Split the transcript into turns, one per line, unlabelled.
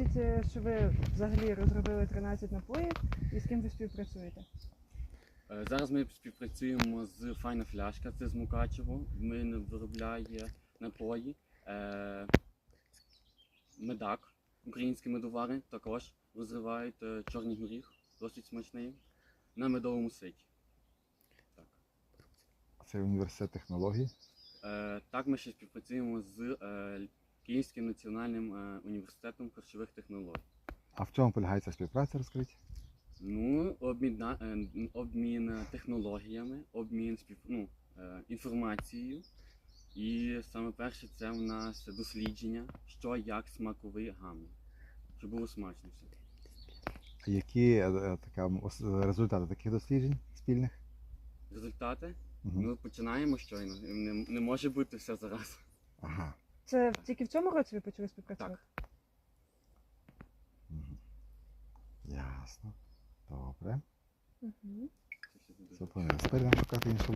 виходить, що ви взагалі розробили 13 напоїв і з ким ви співпрацюєте?
Зараз ми співпрацюємо з Файна Фляшка, це з Мукачево. Він виробляє напої. Медак, українські медовари, також розривають чорний горіх, досить смачний, на медовому ситі. Так.
Це університет технологій.
Так, ми ще співпрацюємо з Київським національним університетом харчових технологій.
А в чому полягає ця співпраця, розкажіть?
Ну, обмін технологіями, обмін інформацією. І саме перше це в нас дослідження, що як смаковий гамір, щоб було смачно все.
Які результати таких досліджень спільних?
Результати?
Угу.
Ми починаємо щойно, не може бути все зараз.
Ага.
Це тільки в цьому році ви почали співпрацювати?
Так.
Угу. Ясно. Добре.
Угу.
Зупинилися. Тепер нам шукати іншу